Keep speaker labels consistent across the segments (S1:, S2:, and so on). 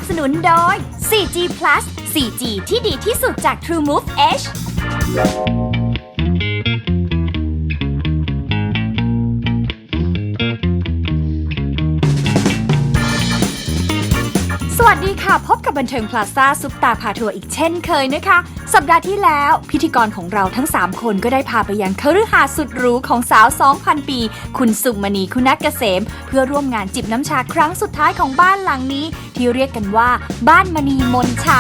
S1: สนุนโดย 4G Plus 4G ที่ดีที่สุดจาก TrueMove Hสวัสดีค่ะพบกับบันเทิงพลาซ่าซุปตาพาทัวร์อีกเช่นเคยนะคะสัปดาห์ที่แล้วพิธีกรของเราทั้ง3คนก็ได้พาไปยังคฤหาสน์สุดหรูของสาว 2,000 ปีคุณสุมณีคุณัฐเกษมเพื่อร่วมงานจิบน้ำชาครั้งสุดท้ายของบ้านหลังนี้ที่เรียกกันว่าบ้านมณีมนชา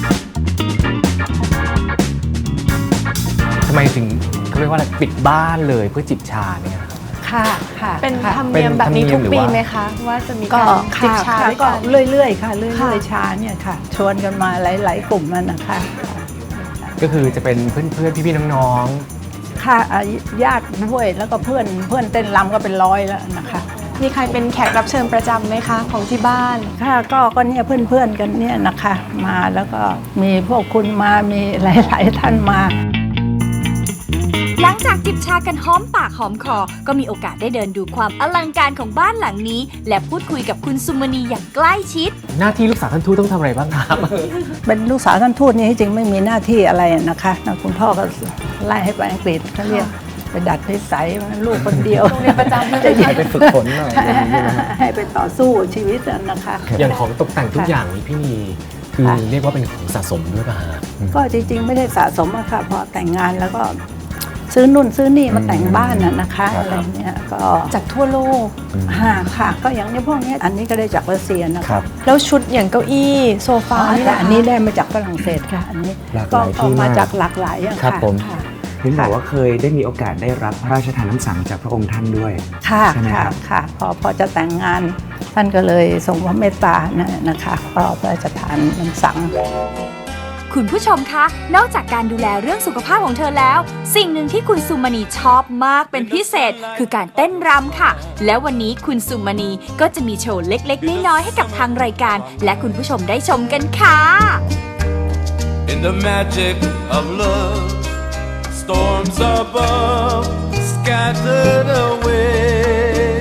S2: ทำไมถึงเขาเรียกว่าอะไรปิดบ้านเลยเพื่อจิบชาเนี่ย
S3: ค่ะเป็นธรรมเนียมแบบนี้ทุกปีไหมคะว่าจะมีการจิบชาด้วยกัน
S4: เรื่อยๆค่ะเรื่อยๆชาเนี่ยค่ะชวนกันมาหลายๆกลุ่มนั่นนะคะ
S2: ก็คือจะเป็นเพื่อนๆพี่ๆน้อง
S4: ๆค่ะญาติด้วยแล้วก็เพื่อนเต้นรำก็เป็น100แล้วนะคะ
S3: มีใครเป็นแขกรับเชิญประจำไหมคะของที่บ้าน
S4: ค่ะก็เนี่ยเพื่อนกันเนี่ยนะคะมาแล้วก็มีพวกคุณมามีหลายๆท่านมา
S1: หลังจากจิบชากันหอมปากหอมคอก็มีโอกาสได้เดินดูความอลังการของบ้านหลังนี้และพูดคุยกับคุณสุมณีอย่างใกล้ชิด
S2: หน้าที่ลูกสาวท่านทูตต้องทำอะไรบ้างครับ
S4: เป็นลูกสาวท่านทูตนี่จริงไม่มีหน้าที่อะไรนะคะคุณพ่อก็ไล่ให้ไปอังกฤษเขาเรียกไปดัดนิสัยลูกคนเดียว
S3: โรงเรียนประจำ
S2: จะไปฝึกฝนหน่อย
S4: ให้ไปต่อสู้ชีวิตนะคะ
S2: อย่างของตกแต่งทุกอย่างนี้พี่นีคือเรียกว่าเป็นของสะสมด้วยป่ะฮะ
S4: ก็จริงๆไม่ได้สะสมอะค่ะพอแต่งงานแล้วก็ซื้อนู่นซื้อนี่มาแต่งบ้านนะคะอะไรเนี่ยก็
S3: จากทั่วโลก
S4: ค่ะก็อย่างนี้พวกนี้อันนี้ก็ได้จากรัสเซียนะครับ
S3: แล้วชุดอย่างเก้าอี้โซฟา
S4: อันนี้ได้มาจากฝรั่งเศสค่ะอันนี้ก็ออกมาจากหลากหลายอย่างค่ะ
S5: เห็นบอกว่าเคยได้มีโอกาสได้รับพระราชทานน้ำสังจากพระองค์ท่านด้วย
S4: ค่ะค่ะพอจะแต่งงานท่านก็เลยทรงพระเมตตานะคะก็พระราชทานน้ำสัง
S1: คุณผู้ชมคะนอกจากการดูแลเรื่องสุขภาพของเธอแล้วสิ่งหนึ่งที่คุณสุมณีชอบมากเป็นพิเศษคือการเต้นรำค่ะและวันนี้คุณสุมณีก็จะมีโชว์เล็กๆน้อยๆให้กับทางรายการและคุณผู้ชมได้ชมกันค่ะ
S6: In the magic of love storms above scattered away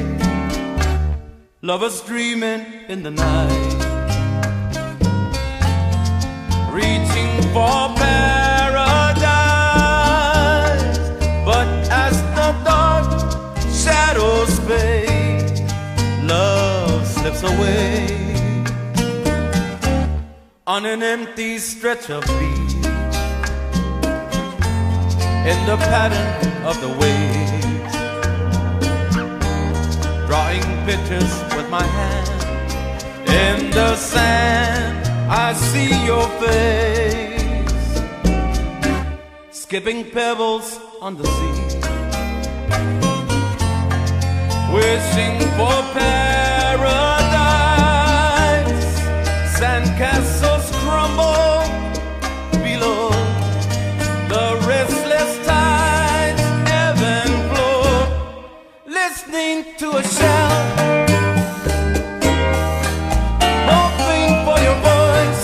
S6: lovers dreaming in the night reaching for paradise but as the dark shadows fade love slips away on an empty stretch of beach in the pattern of the waves drawing pictures with my hand in the sand I see your face skipping pebbles on the sea wishing for paradise sandcastles crumble below the restless tides ebb and flow listening to a shout hoping for your voice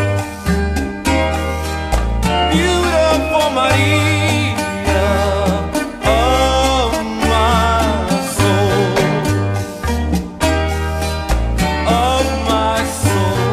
S6: beautiful Maria of my soul of my soul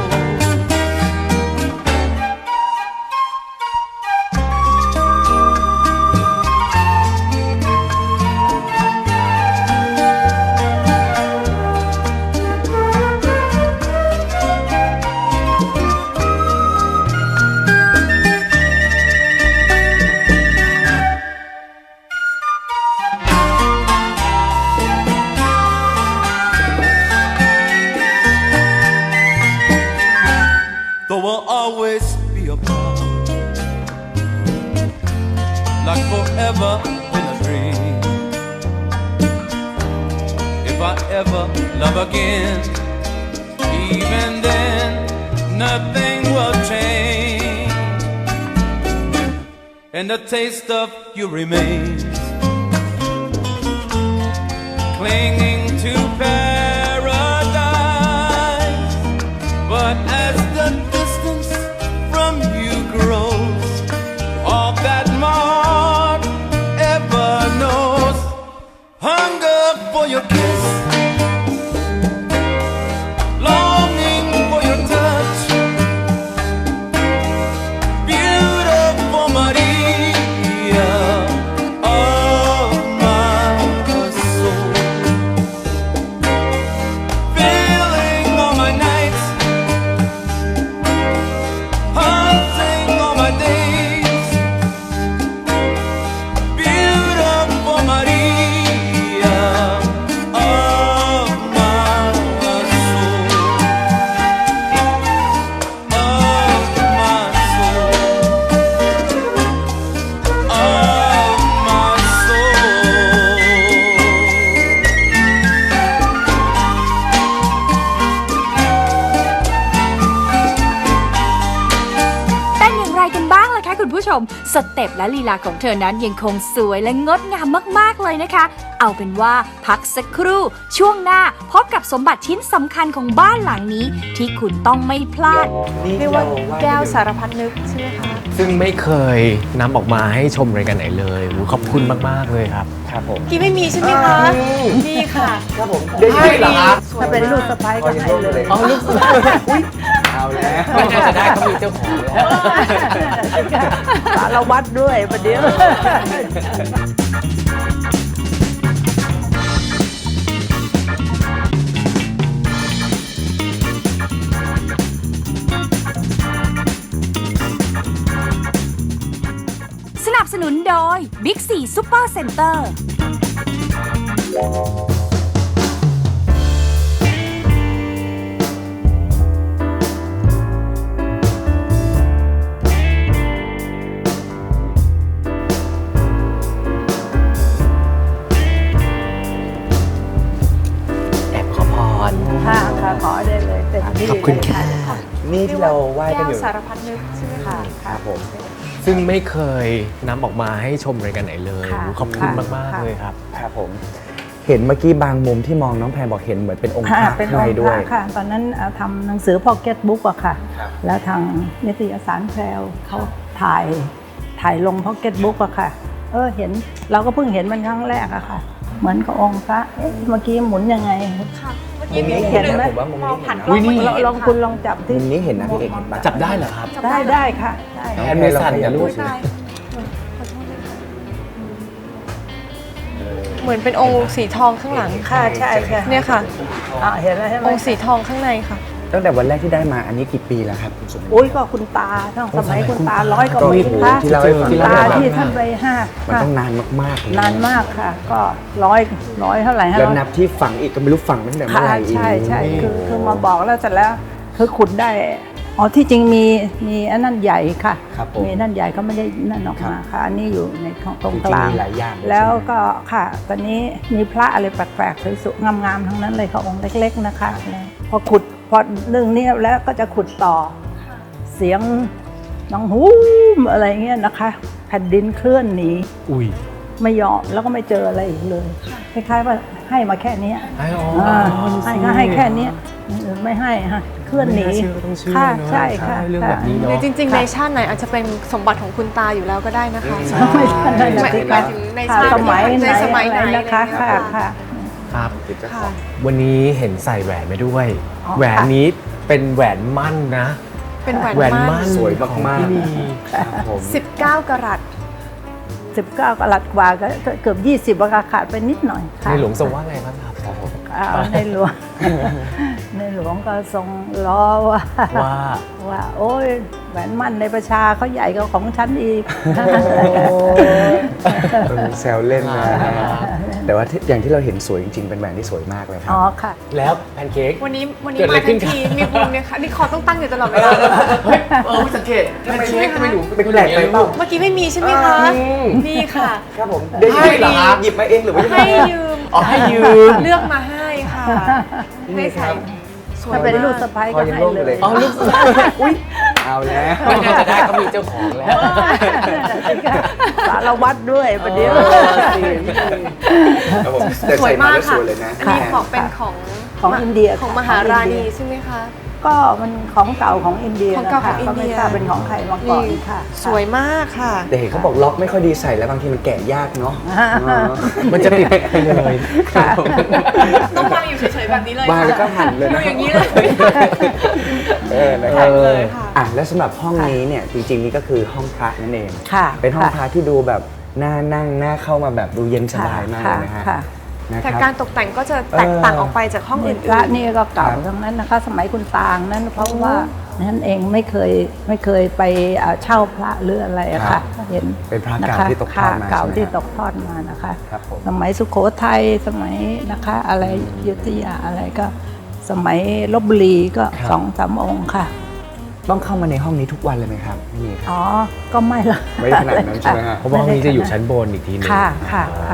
S6: There will always be a part like forever in a dream if I ever love again even then nothing will change and the taste of you remains clinging to paradise but as the distance from you grows all that my heart ever knows hunger for your kiss longing for your touch
S1: คุณผู้ชมสเต็ปและลีลาของเธอนั้นยังคงสวยและงดงามมากๆเลยนะคะเอาเป็นว่าพักสักครู่ช่วงหน้าพบกับสมบัติชิ้นสำคัญของบ้านหลังนี้ที่คุณต้องไม่พลาด
S3: เรียกว่าแก้วสารพัดนึกใช่ไหมคะ
S2: ซึ่งไม่เคยนำออกมาให้ชมรายการไหนเลยโอ้ขอบคุณมากๆเลยครับ
S5: ครับผม
S3: กี้ไม่มีใช่ไหมคะมีค่ะ
S5: ครับผมได้ยินเหรอครับ
S4: ถ้าเป็นลูกสะใภ้ก็ให้เลย
S2: อ๋อลูก
S5: เอาแล้ว
S2: ไม่น่าจะได้เขามีเจ้าของแล้ว
S4: สารวัตรด้วยประเดี๋ยว
S1: สนับสนุนโดย Big C Super Center
S2: แอบขอพร
S4: ค่ะค่ะขอได้เลยเต็มที่
S2: ขอบคุณค่ะ
S5: นี่ที่เราไหว้กันอยู่
S3: แก้วสารพัดนึกใช่ไหมคะ
S5: ครับผม
S2: ซึ่งไม่เคยนำออกมาให้ชมรายการไหนเลย
S4: ค่ะ
S2: โอ้ขอบคุณ
S4: ค่ะ
S2: มากๆเลยครับ
S5: ครับผม เห็นเมื่อกี้บางมุมที่มองน้องแพรบอกเห็นเหมือนเป็นองค์พ
S4: ค่ะ
S5: ระ
S4: เป็น
S5: ข้าง
S4: อง
S5: ใน
S4: ค์
S5: ด้
S4: พ
S5: วย
S4: ระค่ะ ตอนนั้นทำหนังสือพ็อกเก็ตบุ๊กอะค่ะ
S5: ครับ
S4: แล้วทางนิตยสารแพรวเขาถ่ายลงพ็อกเก็ตบุ๊กอะค่ะ เห็นเราก็เพิ่งเห็นมันครั้งแรกอะค่ะ เหมือนกับองค์พระเมื่อกี้หมุนยังไง
S3: ค่ะเมื่อ
S5: มุ
S3: กี้
S5: ม
S3: มี
S5: นี้
S3: ค
S5: เห็
S3: น
S5: น
S3: หนึ่ง
S5: นะผมว่ามุม
S3: มอง
S5: นี้
S3: ผ่านก
S2: อุ๊
S3: ล้อง
S2: ยนี่
S3: เมื่อกี้
S4: ลองคุณลองจับที่
S5: มุมนี้เห็นนะพี่เอกเห็นปะ
S2: จับได้เหรอครับ
S4: ได้ค่ะได้
S2: แอนมือสั่นนะลูก
S3: ใช่เหมือนเป็นองค์สีทองข้างหลัง
S4: ค่ะใช่ค่ะ
S3: เนี่ยค่ะ
S4: เห็นแล้วใช่ไหม
S3: องค์สีทองข้างในค่ะ
S5: ตั้งแต่วันแรกที่ได้มาอันนี้กี่ปีแล้วครับคุณสุม
S4: อุ้ยก็คุณตาตั้งสมัยคุณตา100 กว่าปี
S5: ก็
S4: ค่ะ
S5: ที่เล่าให้ฟัง
S4: คุณตาที่ท่านไปห้า
S5: มันต้องนานมากๆเลย
S4: นานมากค่ะ ก็ร้อยเท่าไหร่ฮะ
S5: แล้วนับที่ฝังอีกก็ไม่รู้ฝังตั้งแต่เมื่อ
S4: ค่ะ
S5: ไหร่อีก
S4: ใช่คือมาบอกแล้วเสร็จแล้วคือขุดได้ที่จริงมีอันนั้นใหญ่ค่ะ
S5: ครับผม
S4: มีนั่นใหญ่ก็ไม่ได้นั่นออกมาค่ะ อันนี้อยู่ในตรงกลาง
S5: จริงๆมีหลายอย่าง
S4: แล้ว
S5: ใช่ไหม
S4: ก็ค่ะ ตอนนี้มีพระอะไรแปลกๆสวยๆงามๆทั้งนั้นเลยค่ะองค์เล็กๆนะคะพอเรื่องนี้แล้วก็จะขุดต่อเสียงน้องฮูมอะไรเงี้ยนะคะแผ่นดินเคลื่อนหนี
S2: อุ้ย
S4: ไม่ยอมแล้วก็ไม่เจออะไรอีกเลยคล้ายๆว่าให้มาแค่เนี้ย
S2: ให้อ๋อ
S4: ให้ก็ให้แค่เนี้ยอย่างอื่นไม่ให้ฮะเคลื่อนหนี
S2: ไม่าเชื่อก็ต้องเชื่อ
S4: ค่ะ
S2: เนอะ
S4: ใช่ค่ะ
S2: เรื่องแบบนี้
S3: หรือ
S2: เนาะ
S3: จริง ๆ ในชาติไหนอาจจะเป็นสมบัติของคุณตาอยู่แล้วก็ได้นะคะ
S4: ไม่ใช่นั่น
S3: ห
S4: น่ะ
S3: มาย
S4: สิ
S3: หมา
S4: คะ
S3: ยถึงใน
S4: ค่ะ
S3: ชาติ
S4: สมัยไหน
S3: ในสมัยไหน
S4: อะไรนะคะ
S3: อะไร
S4: ค่ะ
S3: อย่างเงี้ย
S4: ค่ะ
S2: ครับ
S3: ค่ะ
S2: วันนี้เห็นใส่แหวนไปด้วย
S4: อ๋อ
S2: แหวนนี้เป็นแหวนมั่นนะ
S3: เป็นแหวน
S2: แหวน
S3: มั่
S2: มั่
S3: น
S2: น
S5: สวย
S2: ของ
S5: มาก
S2: พี่นี
S5: ๆครับผม
S3: 19 กะรัต
S4: 19 กรัตกว่าก็เกือบ20ราคาขาดไปนิดหน่อยค่ะ
S2: ในหลวงทรงว่าไงบ้างครับ
S4: ในหลวง ในหลวงก็ทรงล้อว่าโอ้ยแหวนมั่นในประชาเขาใหญ่กว่าของฉันอีก
S5: แซวเล่นนะแต่ว่าอย่างที่เราเห็นสวยจริงๆ เป็นแหวนที่สวยมากเลยครั
S4: อ๋
S5: บ
S4: อค่ะ
S2: แล้วแพนเค้ก
S3: วันนี้
S2: เกิดอะไร
S3: มา
S2: ขึ้
S3: ทั
S2: น
S3: น
S2: ครับ
S3: ทีมีบุญเนี่ยค่ะนี่คอต้องตั้งอยู่ตลอดเวลาเลย
S2: เฮ้ยไม่สังเกตแพนเค้กทำไมหนู
S5: เป็นแปลกไปเปล่า
S3: เมื่อกี้ไม่มีใช่ไหมคะ มีค่ะ
S5: ครับผมได้ยินเหรอครับหยิบมาเองหรือว่ายังไง
S3: ให้ยืม
S2: อ๋อให้ยืม
S3: เลือกมาให้ค่ะ ให้ใส่สวย
S4: ถ้าเป็นลูก
S3: มาก
S4: สะใภ้
S5: พ
S4: ก็
S5: อยัง
S4: ให้
S5: โล่งอ
S4: เล
S5: ยู่เลย
S4: ย
S2: อ๋อลูก
S5: อุ้ยเอาแล้ว
S2: ไม่น่าจะได้เขามีเจ้าของแล้ว
S4: สารวัตรด้วยประเดี๋ยว
S5: ครับผมแต่
S3: สวย
S5: ใส่มา
S3: มา
S5: แล้วส
S3: กค่ะ
S5: วยเลยนะ
S3: อันนี้ของเป็นของ
S4: ของอินเดีย
S3: ของ
S4: ค่ะ
S3: มหารา
S4: ของอิน
S3: ณี
S4: เดีย
S3: ใช่ไหมคะ
S4: ก็มันของเก่าของอินเดีย
S3: ของเก่าของอิน
S4: ก็
S3: เดี
S4: ไม่
S3: ย
S4: ทราบเป็นของใครมาก่อนค่ะ
S3: สวยมากค่ะ
S5: แต่เห็นเขาบอกล็อกไม่ค่อยดีใส่แล้วบางทีมันแกะยากเนาะ
S2: มันจะติดไปเลย
S3: ต้องวางอยู่เฉยๆแบบนี้เลย
S5: วางแล้วก็หั่นเลย
S3: ดู
S5: นะ
S3: อย่างนี้เลย
S5: นะครับ
S3: เลยค่ะ
S5: แล้วสำหรับห้องนี้เนี่ยจริงๆนี่ก็คือห้องพระนั่นเอง
S4: ค่ะ
S5: เป็นห้องพระที่ดูแบบน่านั่งน่าเข้ามาแบบดูเย็นสบายมากเลยนะฮะ
S4: ค่ะ
S5: นะค
S3: แต่
S5: รับ
S3: การตกแต่งก็จะแตกต่างออกไปจากห้องอื่
S4: พระ
S3: น
S4: นี่ก็เก่า
S5: ครับ
S4: ทั้งนั้นนะคะ สมัยคุณตางนั้นเพราะว่านั่นเองไม่เคยไปเช่าพระหรืออะไรอะค่ะเห็น
S5: เป็นพระเก่า
S4: นะคะ
S5: ที่ตกทอดมา
S4: เก่า
S5: ใช่ไหม
S4: ที่
S5: ครับ
S4: ตกทอดมานะคะ
S5: ครับผม
S4: สมัยสุโขทัยสมัยนะคะอะไรอยุธยาอะไรก็ สมัยลพบุรีก็2-3 องค์ค่ะ
S5: ต้องเข้ามาในห้องนี้ทุกวันเลยไหมครับไม่มีครับ
S4: อ๋อ ก็ไม่ละ
S5: ไม่ขนาดนั้นใช่ไหมฮะ
S2: เพราะว่าห้องนี้จะอยู่ชั้นบนอีกทีหนึง
S4: ค่ะค่ะค่ะ
S5: อ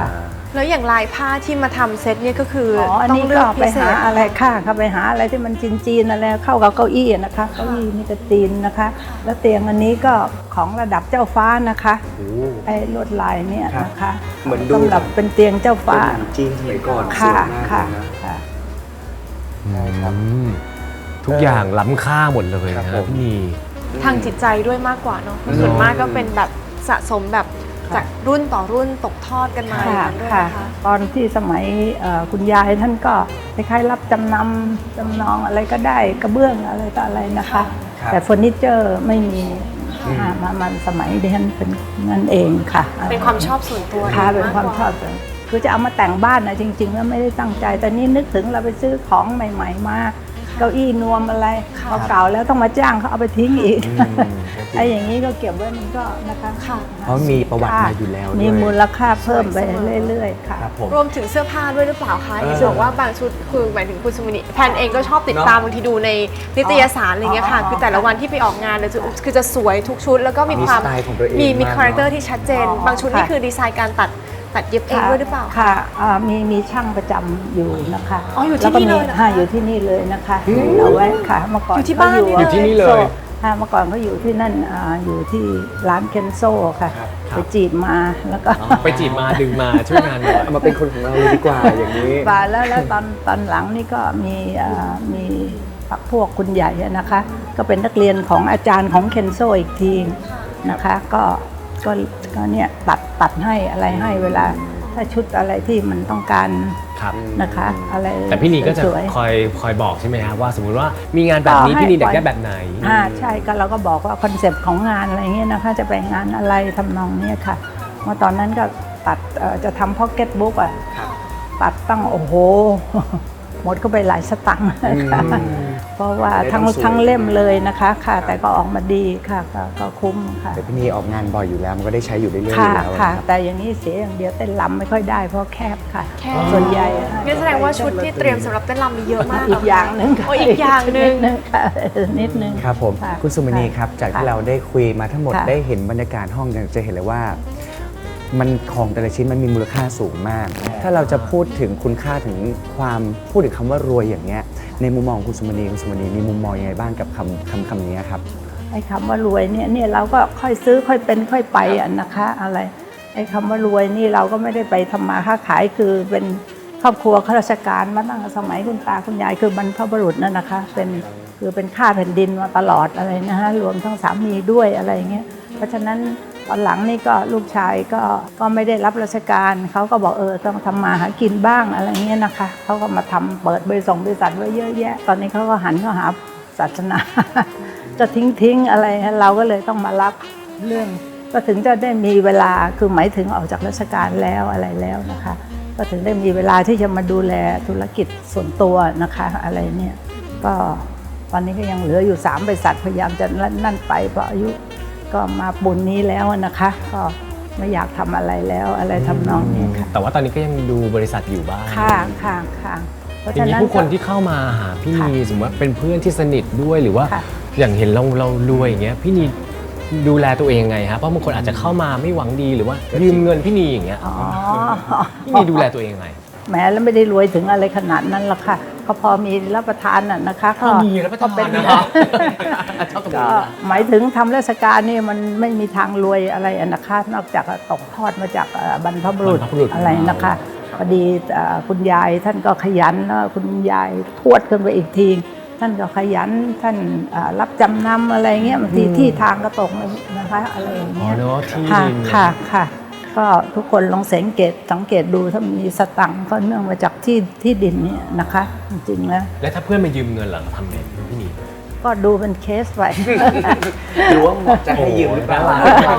S3: แล้วอย่างลายผ้าที่มาทำเซตเนี่ยก็คืออ
S4: อัน
S3: ต้อง
S4: นี้
S3: เลื
S4: ก็
S3: อก
S4: ไป
S3: พิเศ
S4: หา
S3: ษ
S4: อะไรค่ะก็ไปหาอะไรที่มันจีนๆอะไรเข้ากับเก้าอี้นะคะเก้าอี้นี่ก็จีนนะคะ แล้วเตียงอันนี้ก็ของระดับเจ้าฟ้านะคะไอ้ลวดลายเนี่ยนะคะ
S5: เหมือนดู
S4: สำหรับเป็นเตียงเจ้า
S5: เป็น
S4: ฟ้า
S5: หนังจีนสมัยก่อนส
S4: ค่ะ
S5: วยมาก
S4: ค่ะ
S5: เลยนะ
S4: ค่ะ
S5: ใช่ครับ
S2: ทุกอย่างล้ำค่าหมดเลย
S5: ครั
S2: นะ
S5: บผม
S2: พี่นี
S3: ทางจิตใจด้วยมากกว่าเนาะส่วนมากก็เป็นแบบสะสมแบบจากรุ่นต่อรุ่นตกทอดกันมาอย่าง
S4: ค่ะ
S3: นั้นด้วย
S4: ค่ะ
S3: นะคะ
S4: ตอนที่สมัยคุณยายท่านก็คล้ายๆรับจำนำจำนองอะไรก็ได้กระเบื้องอะไรต่ออะไรนะคะ
S5: ครับ
S4: แต่เฟอร์นิเจอร์ไม่มีมันสมัยดิฉันเป็นนั่นเองค่ะ
S3: เป็นความชอบส่วนตัว
S4: ค่ะ
S3: อง
S4: เป็นความชอบส่วนคือจะเอามาแต่งบ้านนะจริงๆแล้วไม่ได้ตั้งใจ แต่นี่นึกถึงเราไปซื้อของใหม่ๆมาเก้าอี้นวมอะไรเก่าๆแล้วต้องมาจ้างเขาเอาไปทิ้งอีกไอ้อย่างนี้ก็เก็บไว้มันก็นะคะ
S3: ค่ะ
S5: เพราะมีประวัติมาอยู่แล้วด้วย
S4: มีมูลค่าเพิ่มไปเรื่อยๆค่ะ
S5: ครับผม
S3: รวมถึงเสื้อผ้าด้วยหรือเปล่าคะเห็นบอกว่าบางชุดคือหมายถึงคุณสุมณีแพนเองก็ชอบติดตามบางทีดูในนิตยสารอะไรเงี้ยค่ะ คือแต่ละวันที่ไปออกงานเลยคือจะสวยทุกชุด แล้วก็มีความ
S5: มีสไตล์ของตัวเอง
S3: มี
S5: มาก
S3: คาแรคเตอร์
S5: เนอะ
S3: ที่ชัดเจน
S4: อ๋อ
S3: บางชุดนี่
S4: ค่ะ
S3: คือดีไซน์การตัดเย็บเองด้วยหรือเปล่า
S4: ค่ะมีช่างประจำอยู่นะคะ
S3: อ๋ออยู่ที่นี่เลยเหรอคะ
S4: อยู่ที่นี่เลยนะคะเอาไว้ค่ะเมื่อก่อน
S3: อยู่ที่บ้าน
S4: เขา
S3: นี่
S2: อยู่ที่นี่เลย
S4: ค่ะเมื่อก่อนเขาอยู่ที่นั่นอยู่ที่ร้านเคนโซค่ะ
S2: ครับ
S4: ไปจีบมาแล้วก็
S2: ไปจีบมาดึงมาช่วยงานหน่อย
S5: เอามาเป็นคนของเราเลยดีกว่าอย่างนี้
S4: มาแล้วตอนหลังนี่ก็มีพักพวกคุณใหญ่อะนะคะ ก็เป็นนักเรียนของอาจารย์ของเคนโซอีกทีนะคะก็เนี่ยตัดให้อะไรให้เวลาถ้าชุดอะไรที่มันต้องการ
S2: ครับ
S4: นะคะอะไร
S2: แต่พี่นีก็จะ
S4: สวยๆ
S2: คอยบอกใช่ไหมครับว่าสมมุติว่ามีงานแบบนี้
S4: ให้
S2: พี่นีอยาก
S4: ปล่
S2: ได้
S4: อย
S2: แบบไหน
S4: ใช่ก็เราก็บอกว่าคอนเซปต์ของงานอะไรเงี้ยนะคะจะไปงานอะไรทำนองเนี้ยค่ะเมื่อตอนนั้นก็ตัดจะทำพ็อกเก็ตบุ๊กอ่ะตัดตั้งโอ้โห หมดก็ไปหลายสตังค์ค่ะเพราะว่า
S5: ได้ต้องสวย
S4: ทั้งเล่มเลยนะคะค่ะ แต่ก็ออกมาดีค่ะก็คุ้มค่ะ
S5: แต่พี่นีออกงานบ่อยอยู่แล้วมันก็ได้ใช้อยู่เรื่อยๆอ
S4: ค่ะ
S5: ยู่แล้ว
S4: ค่ะ
S5: นะครับ
S4: แต่อย่างนี้เสียอย่างเดียวเต้นลำไม่ค่อยได้เพราะแคบค่ะ
S3: แคบ
S4: ส่วนใหญ่
S3: งั้นแสดงว่าชุดที่เตรียมสำหรับเต้นรำมีเยอะมาก
S4: อีกอย่างหนึ่ง
S3: โอ้อีกอย่างหนึ่ง
S4: ค่ะนิดนึง
S5: ครับผม
S4: ค่ะ
S5: คุณสุมณีครับจากที่
S4: ค่ะ
S5: เราได้คุยมาทั้งหมด
S4: ค่ะ
S5: ได้เห็นบรรยากาศห้องจะเห็นเลยว่า มันของแต่ละชิ้นมันมีมูลค่าสูงมาก ถ้าเราจะพูดถึงคุณค่าถึงความพูดถึงคำว่ารวยอย่างเงี้ยในมุมมองคุณสุมณีมีมุมมองยังไงบ้างกับคำนี้ครับ
S4: ไอ้คำว่ารวยเนี่ยเราก็ค่อยซื้อค่อยเป็นค่อยไปอะนะคะอะไรไอ้คำว่ารวยนี่เราก็ไม่ได้ไปทำมาค้าขายคือเป็นครอบครัวข้าราชการมาตั้งแต่สมัยคุณตาคุณยายคือบรรพบุรุษนั่นนะคะเป็นข้าแผ่นดินมาตลอดอะไรนะฮะรวมทั้งสามีด้วยอะไรเงี้ยเพราะฉะนั้นตอนหลังนี่ก็ลูกชายก็ไม่ได้รับราชการเขาก็บอกต้องทำมาหากินบ้างอะไรเงี้ยนะคะเขาก็มาทำเปิดบริษัทไว้เยอะแยะ ตอนนี้เขาก็หันเข้าหาศาสนา จะทิ้งอะไรเราก็เลยต้องมารับเรื่องก็ถึงจะได้มีเวลาคือหมายถึงออกจากราชการแล้วอะไรแล้วนะคะก็ถึงได้มีเวลาที่จะมาดูแลธุรกิจส่วนตัวนะคะอะไรเนี่ยก็ตอนนี้ก็ยังเหลืออยู่3บริษัทพยายามจะนั่นไปเพราะอายุก็มาปุนนี้แล้วนะคะ ก็ไม่อยากทำอะไรแล้วอะไรทำนองนี้ค่ะ
S2: แต่ว่าตอนนี้ก็ยังดูบริษัทอยู่บ้าง
S4: ค่ะเพราะ
S2: ที
S4: ฉะ
S2: นี้
S4: นั้น
S2: ผู้คนที่เข้ามาหาพี่นีสมมติว่าเป็นเพื่อนที่สนิทด้วยหรือว่า
S4: ค่ะ
S2: อย่างเห็นเรารวยอย่างเงี้ยพี่นีดูแลตัวเองยังไงฮะเพราะบางคนอาจจะเข้ามาไม่หวังดีหรือว่ายืมเงินพี่นีอย่างเงี้ย
S4: อ๋อ
S2: พี่นีดูแลตัวเองยังไง
S4: แหมแล้วไม่ได้รวยถึงอะไรขนาดนั้นหรอกค่ะก็พอมีรับประทานน่ะนะคะ
S2: พอมีรับประทาน
S4: ก็เป็น
S2: นะครับ ชอบตรงนี้
S4: ก็หมายถึงทำราชการนี่มันไม่มีทางรวยอะไรอะนะคะ นอกจากตกทอดมาจากบรรพบุรุษ
S2: บรรพบุรุษ
S4: อะไรนะคะพอดีคุณยายท่านก็ขยันแล้วคุณยายทวดขึ้นไปอีกทีท่านก็ขยันท่านรับจำนำอะไรเงี้ยบางทีที่ทางก็ตกนะคะอะไรอย่าง
S2: อ๋อ
S4: เงี้ย
S2: เนาะที่
S4: ค่ะ
S2: ดิน
S4: ค่ะก็ทุกคนลองสังเกตดูถ้ามีสตังค์ก็เนื่องมาจากที่ดินเนี่ยนะคะจริงๆแล้ว
S2: แล้วถ้าเพื่อนมายืมเงินเหรอทำไงพี่นี
S4: ก็ดูเป็นเคสไป
S5: หรือว่าเหมาะจะให้ยืมหรือเปล่า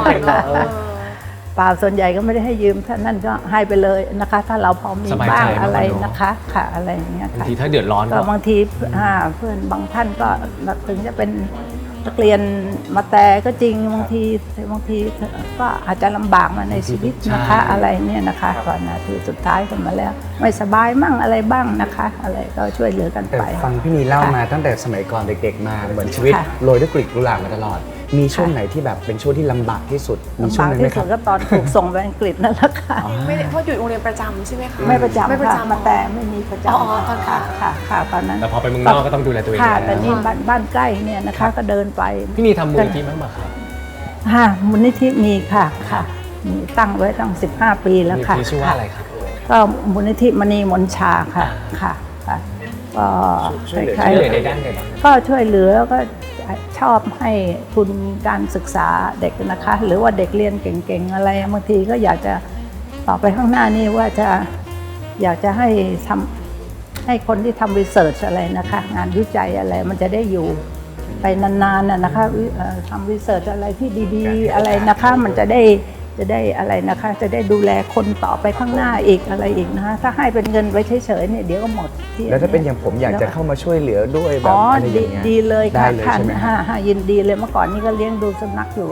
S4: เปล่าส่วนใหญ่ก็ไม่ได้ให้ยืมถ้านั่นก็ให้ไปเลยนะคะ ถ้าเราพอมี
S2: สบายใจ
S4: บ้าง
S2: มากกว่า
S4: อะไร
S2: เนอะ
S4: นะคะค่ะอะไรอย่างเงี้ย
S2: บาง
S4: ค่ะ
S2: ทีถ้าเดือดร้อน
S4: ก็
S2: ก็
S4: บางทีเพื่อนบางท่านก็ถึงจะเป็นนักเรียนมาแต่ก็จริงบางทีก็อาจจะลำบากมาในชีวิตนะคะอะไรเนี่ยนะคะก่อนนะคือสุดท้ายกันมาแล้ว ไม่สบายมั่งอะไรบ้างนะคะ อะไรก็ช่วยเหลือกัน
S5: แต่
S4: ไป
S5: ฟังพี่นีเล่ามาตั้งแต่สมัยก่อนเด็กๆมาเหมือนชีวิต
S4: ค่ะ
S5: โรยด้วยกลีบกุหลาบมาตลอดมีช่วงไหนที่แบบเป็นช่วงที่ลำบากที่สุดมีช่ว
S4: ลำ
S5: ง
S4: บาก
S5: นั้นไหม
S4: ที่
S5: ค
S4: สุ
S5: รับ
S4: ดก็ตอนถูกส่งไปอังกฤษนั่นแหละค่ะ
S3: ไม่ได้เพราะอยู่โรงเรียนประจำใช่ไหมคะ
S4: ไม่ประจำ
S3: ไม่ประ
S4: ค่ะ
S3: จำ
S4: มาแต่ไม่มีประจำ
S3: อ๋อตอน
S4: ค่ะค่ะตอนนั้น
S2: แต่พอไปเมืองนอกก็ต้องดูแลตัวเอง
S4: ค่ะ
S2: แล้ว
S4: แต่นี่บ้านใกล้เนี่ยนะคะก็เดินไป
S2: พี่นีทำมูลนิธิบ้างไหมครับ
S4: ค่ะมูลนิธิมีค่ะมีตั้งไว้ตั้ง15 ปีแล้ว
S2: มูลนิ
S4: ค่ะ
S2: ธิชื่อว่าอะไรครับ
S4: ก็มูลนิธิมณีมนชาค่ะค่ะก็
S2: ช่วยเหลือ
S4: คล้า
S2: ช่วย
S4: ย
S2: เหลือในด้านใดบ้าง
S4: ๆก็ช่วยเหลือก็ชอบให้ทุนการศึกษาเด็กนะคะ หรือว่าเด็กเรียนเก่งๆอะไรบางทีก็อยากจะต่อไปข้างหน้านี่ว่าจะอยากจะให้ทำให้คนที่ทำรีเสิร์ชอะไรนะคะ งานวิจัยอะไรมันจะได้อยู่ไปนานๆนะคะทำรีเสิร์ชอะไรที่ดีๆอะไรนะคะ มันจะได้อะไรนะคะ จะได้ดูแลคนต่อไปข้างหน้าอีกอะไรอีกนะคะถ้าให้เป็นเงินไว้เฉยๆเนี่ยเดี๋ยวก็หมดที่
S5: แล้วถ้าเป็นอย่างผมอยากจะเข้ามาช่วยเหลือด้วยแบบ
S4: อ๋อ
S5: อะไรอย่างเงี้ย
S4: ดีเลย
S5: ได้
S4: ค่ะ
S5: เลย
S4: ค่ะ
S5: ใช่ไหมฮะ
S4: ยินดีเลยเมื่อก่อนนี้ก็เลี้ยงดูสุนัขอยู่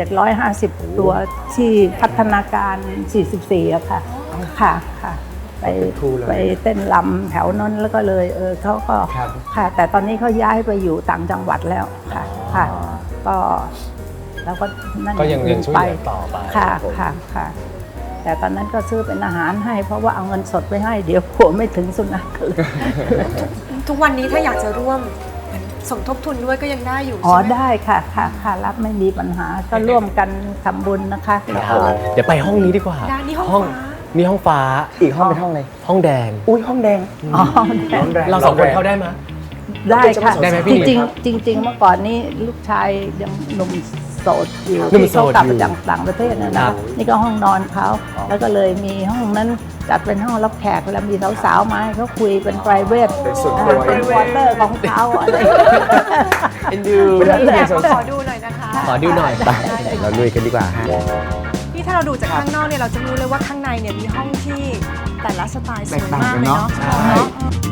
S4: 750 ตัวที่พัฒนาการ 44อะค่ะค่ะไปเต้นลำแถวนั้นแล้วก็เลยเขาก็
S5: ครับ
S4: ค่ะ แต่ตอนนี้เขาย้ายไปอยู่ต่างจังหวัดแล้วค่ะก็แล้วก็นั่น
S2: ก็ยังช่วยเหลือต่อไป
S4: ค่ะแต่ตอนนั้นก็ซื้อเป็นอาหารให้ เพราะว่าเอาเงินสดไปให้เดี๋ยวผัวไม่ถึงสุนัขเลย
S3: ทุกวันนี้ถ้าอยากจะร่วมสมทบทุนด้วยก็ยังได้อยู่
S4: อ๋อ
S3: ใช่ไหม
S4: ได้ค่ะรับไม่มีปัญหาก็ร่วมกันทำบุญนะคะแล้วก็
S2: เดี๋ยวไปห้องนี้ดีกว่า
S3: ได้นี่ห้องฟ้า
S2: นี่ห้องฟ้า
S5: อีกห้องเป็นห้องอะไร
S2: ห้องแดง
S5: อุ้ยห้องแดง
S4: อ๋อ
S5: ร้อนแรง
S2: เราสองคนเข้าได้ไหม
S4: ได้ค่ะ
S2: ได้ไหมพี่
S4: จริงๆเมื่อก่อนนี้ลูกชายยังหนุ่มโสดอยู่
S2: หนุ่ม
S4: ที่
S2: โส
S4: เขา
S2: ด
S4: กลับ
S2: อยู่
S4: มาจากต่างประเทศนะ
S2: ครั
S4: นะ
S2: บ
S4: นี่ก็ห้องนอนเขาแล้วก็เลยมีห้องนั้นจัดเป็นห้องรับแขกแล้วมีสาวๆมาให้เขาคุยเป็น private
S5: เป็นส่วนตัว
S4: เป็นวอเตอร์ของเขาอะไร
S2: เอ็นดู
S3: ขอดูหน่อยนะคะ
S2: ขอดูหน่อย
S5: ไปเราลุยกันดีกว่าฮะ
S3: นี่ถ้าเราดูจากข้างนอกเนี่ยเราจะรู้เลยว่าข้างในเนี่ยมีห้องที่แต่ละสไตล์สวยมากเลยเนาะ
S2: ใช่
S3: เนาะ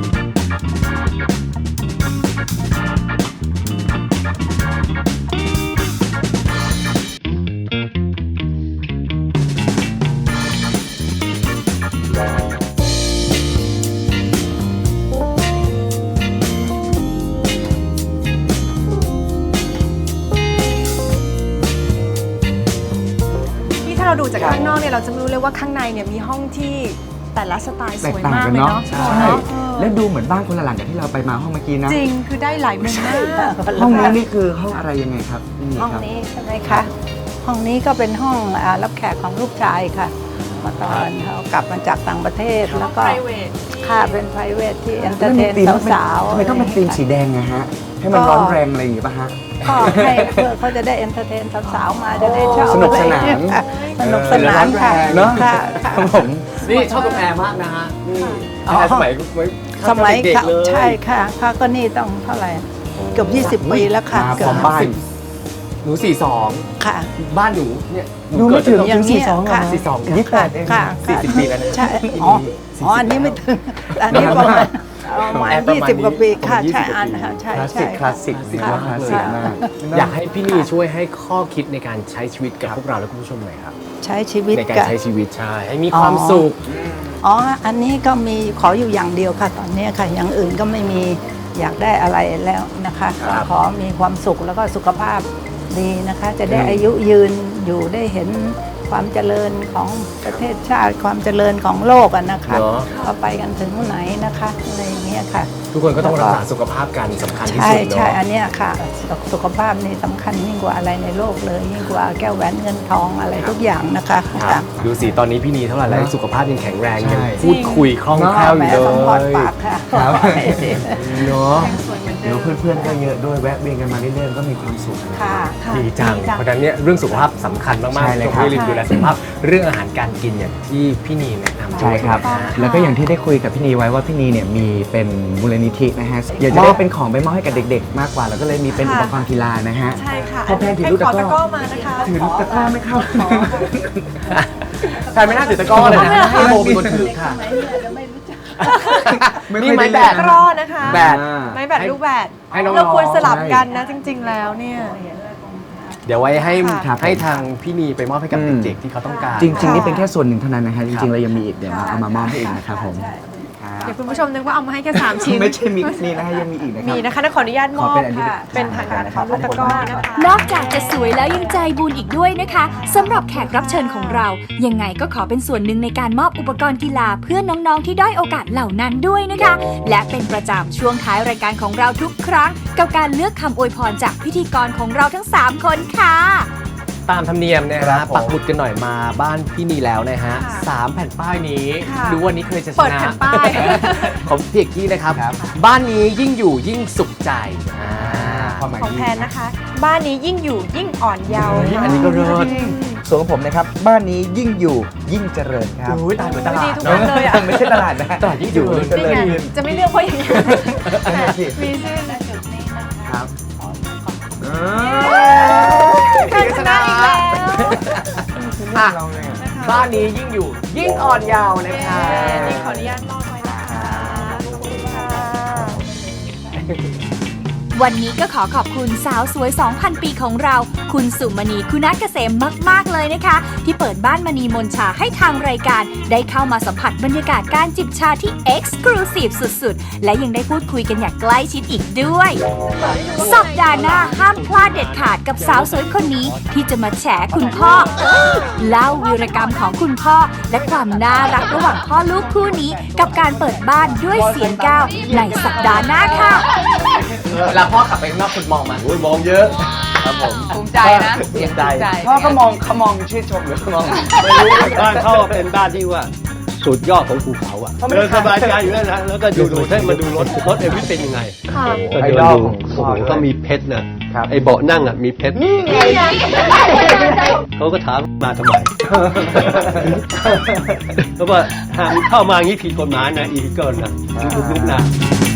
S3: นี่ถ้าเราดูจากข้างนอกเนี่ยเราจะไม่รู้เลยว่าข้างในเนี่ยมีห้องที่แต่ละสไตล์ส
S5: แตก
S3: วย
S5: ต่าง
S3: มาก
S5: กัน
S3: เลย
S5: เนาะ
S3: เนาะ
S5: ใช่
S3: เนาะ
S5: แล้วดูเหมือนบ้านคนละหลังกับที่เราไปมาห้องเมื่อกี้นะ
S3: จริงคือได้หลายมุมมาก
S5: ห้องนี้นี่คือห้องอะไรยังไงครับนี่
S4: ห้อง
S5: ครับ
S4: นี้ใช่ไหมคะ ห้องนี้ก็เป็นห้องรับแขกของลูกชายค่ะมาตอนเขากลับมาจากต่างประเทศแล้วก็
S3: private
S4: ค่ะเป็น private ที่
S5: แล้ว
S4: entertain
S5: ธีม
S4: สาวๆ
S5: ทำไมต้องเป็นธีมสีแดงอะฮะ ให้มันร้อนแรงอะไรอย่างงี้ป่ะฮะ
S4: ก็ให้เพื่อเขาจะได้ entertain สาวๆมาจะได้ชอบ
S5: สนุกสนาน
S4: อะไรค่ะสนุกสนานค่ะ
S5: เนอะ
S4: ค่ะ
S5: ครับผม
S2: นี่ชอบตรงแอร์มากนะฮะ นี่
S4: อ๋อ
S2: แอร์สมัย
S4: สมัย
S2: เด็ก
S4: ค่ะ
S2: ๆเลย
S4: ใช่ค่ะค่ะก็นี่ต้องเท่าไหร่เกือบ20 ปีแล้วค่ะ
S5: มา
S4: เกื
S5: พร้อมบ้าน
S2: หนู 42
S4: ค่ะ
S2: บ้านหนูเนี่ยห
S5: ดูไม่ถึง
S2: เกิด
S4: อย่างเงี้ย
S5: 42เหรอ
S4: ค่ะ
S2: 42
S5: 28เอง
S4: ค่ะ
S2: 40 ปีแล้วนะ
S4: ใช่อ๋ออันนี้ไม่ถึงอันนี้ประมาณ20 กว่าปีค่ะใช่อันค่ะใช่
S5: คลาส
S4: ใช่
S5: สิกคลาสสิกถือว่าคลาสสิกมาก
S2: อยากให้พี่นีช่วยให้ข้อคิดในการใช้ชีวิตกับพวกเราและคุณผู้ชมหน่อยครับ
S4: ใช้ชีวิต
S2: ในการ
S4: กับ
S2: ใช้ชีวิตใช่ให้มีความสุข
S4: อ๋ออันนี้ก็มีขออยู่อย่างเดียวค่ะตอนนี้ค่ะอย่างอื่นก็ไม่มีอยากได้อะไรแล้วนะคะ
S2: ครับ
S4: ขอมีความสุขแล้วก็สุขภาพดีนะคะ จะได้อายุยืนอยู่ได้เห็นความเจริญของประเทศชาติความเจริญของโลกอะนะคะ
S2: เนาะ
S4: ว่าไปกันถึงไหนนะคะอะไรอย่างเงี้ยค่ะ
S2: ทุกคนก็ต้องรักษาสุขภาพกันสำคัญที่
S4: ใช่
S2: สุด
S4: ใช่
S2: เนาะ
S4: อันเนี้ยค่ะสุขภาพนี่สำคัญยิ่งกว่าอะไรในโลกเลยยิ่งกว่าแก้วแหวนเงินทองอะไรทุกอย่างนะคะ
S2: ครับดูสิตอนนี้พี่นีเท่าไหร่แล้ว
S5: เนอะ
S2: สุขภาพยังแข็งแรง
S5: ใช่
S2: ยังพูดคุยคล่องแคล่วอ
S4: แหม
S2: ยู่เล
S4: สมพร
S2: ย
S4: ปากค่ะ
S5: ครับ
S2: เนาะ
S5: เดี๋ยวเพื่อนๆก็เยอะด้วยแวะเวียนกันมาเรื่อยๆก็มีความสุขนะ
S4: ค่ะค่ะ
S2: ดีจัง เพราะฉะนั้นเนี่ยเรื่องสุขภาพสำคัญมาก
S5: ใช่
S2: ๆ
S5: เลย
S2: ต้อง
S5: ครับ
S2: ไม่ลืมดูแลสุขภาพเรื่องอาหารการกินอย่างที่พี่นีแนะนำ
S5: ใช่ครับ
S2: นะฮะ
S5: แล้วก็อย่างที่ได้คุยกับพี่นีไว้ว่าพี่นีเนี่ยมีเป็นมูลนิธินะฮะ อยากจะได้เป็นของไปมอบให้กับเด็กๆ มากกว่า แล้วก็เลยมีเป็นอุปกรณ์กีฬานะฮะ
S3: ใช่ค่ะ
S5: พอแพนถือลูก
S3: ขอ
S5: ตะ
S3: ตะ
S5: ก
S3: ก
S5: ร้
S3: ร้
S5: อ
S3: อมานะคะ
S5: ถือลูกตะกร้าไม่เข้า
S2: ใครไม่น่าถือตะกร้อเลยนะให้โบเป็นคนถือค่ะ นี่ไม้แบ
S3: ตะ
S2: ด
S3: กร้อนะคะ
S2: แบด
S3: ไม้แบดลูกแบด
S2: ให้น้องๆ
S3: เราควรสลับกันนะจริง ๆ แล้วเนี่ย
S2: เดี๋ยวไว้ให้
S3: ค่ะ
S2: ให้ทางพี่นีไปมอบให้กับ
S5: อืม
S2: เด็กๆที่เขาต้องการ
S5: จริงๆนี่เป็นแค่ส่วนหนึ่งเท่านั้นนะฮะ จริงๆเรายังมีอีกเดี๋ยวเอามามอบให้อีกนะครับผม
S4: ใช่
S5: ครับ
S3: เดี๋ยวคุณผู้ชมนึกว่าเอามาให้แค่3ชิ้น
S5: ไม่ใช่มิกซ์นี่นะฮะยังมีอีกนะครับ
S3: มีนะคะขออนุญาตมอบ
S5: ขอเป็นอันนี้
S3: ค่ะเป็นทางการของลูกตะกร้อนะคะ
S1: นอกจากจะสวยแล้วยังใจบุญอีกด้วยนะคะสำหรับแขกรับเชิญของเรา ยังไงก็ขอเป็นส่วนหนึ่งในการมอบอุปกรณ์กีฬาเพื่อน้องๆที่ด้อยโอกาสเหล่านั้นด้วยนะคะ และเป็นประจำช่วงท้ายรายการของเราทุกครั้ง กับการเลือกคำอวยพรจากพิธีกรของเราทั้ง 3 คนค่ะ
S2: ตามธรรมเนียมนะ
S5: ครั
S2: ฮะ
S5: บผม
S2: ปักหมุดกันหน่อยมาบ้านพี่นีแล้วนะฮะ
S3: ค่ะ
S2: 3 แผ่นป้ายนี้
S3: ค่ะ
S2: ดูวันนี้เคยจะช
S3: เปิด
S2: นะ
S3: แผ่นป้าย
S2: ของพี่เอกกี้นะครับ
S5: ครับ
S2: บ้านนี้ยิ่งอยู่ยิ่งสุขใจอ่า
S5: ความหมาย
S3: ของ
S5: ดี
S3: แพนนะคะ บ้านนี้ยิ่งอยู่ยิ่งอ่อนเยาว์
S2: เฮ้ย
S3: ค่ะ
S2: อันนี้ก็เลิศ
S5: ส่วนของผมนะครับ บ้านนี้ยิ่งอยู่ยิ่งเจริญครับ
S2: โอ้ยตายเหมือนตลา
S3: ดี
S2: ด
S3: ทุก
S2: เน
S3: อัน
S2: อะ
S3: เลยอ่ะ
S5: ไม่ใช่ตลาดนะ
S2: ตลาดยิ่งอยู่
S5: เจริญ
S3: นี่ไง
S5: ขึ้น
S3: จะไม่เลือกเพราะอย่างนี้
S5: นั่นน่ะสิ
S3: มีชื่อ
S5: ครับ
S3: การชนะอีกแล้ว
S2: อ่ะบ้านนี้ยิ่งอยู่ยิ่งอ่อนเยาว์นะคะ
S3: นี่ขออนุญาตมอบไว้นะคะขอบคุณค่ะ
S1: วันนี้ก็ขอขอบคุณสาวสวย 2,000 ปีของเรา คุณสุมณีคุณัฐเกษมมาก ๆ เลยนะคะ ที่เปิดบ้านมณีมนชาให้ทางรายการ ได้เข้ามาสัมผัสบรรยากาศการจิบชาที่ Exclusive สุด ๆ และยังได้พูดคุยกันอย่างใกล้ชิดอีกด้วย สัปดาห์หน้าห้ามพลาดเด็ดขาดกับสาวสวยคนนี้ ที่จะมาแฉคุณพ่อเล่าวีรกรรมของคุณพ่อ และความน่ารักระหว่างพ่อลูกคู่นี้ กับการเปิดบ้านด้วยเสียงก้าวในสัปดาห์หน้าค่ะ
S2: เวลาพ่อขับไปข้างนอกคุณมองมัน
S7: โอ้ยมองเยอะครับผม
S8: ภูมิใจนะ
S2: เสียงใจ
S5: พ่อเขามองชื่นชมหรือเขามอง
S7: ไม่รู้บ้านเขาเป็นบ้านที่ว่าสุดยอดของภูเขาอ่ะเดินสบายใจอยู่แล้วนะแล้วก็ดูให้มาดูรถเอวิสเป็นยังไงก็
S5: ไอ
S7: เดิน
S5: ดอล
S7: ดู
S5: ของ
S7: โอ้
S5: พ่อ
S7: โห
S5: ด้วย
S7: ก็มีเพชรนะครับ ไอเบาะนั่งอ่ะมีเพชรเขาก็ถามมาทำไม เพราะว่าห้ามเข้ามาอย่างนี้ผิดกฎหมายนะอีเกิลนะยุบๆนะ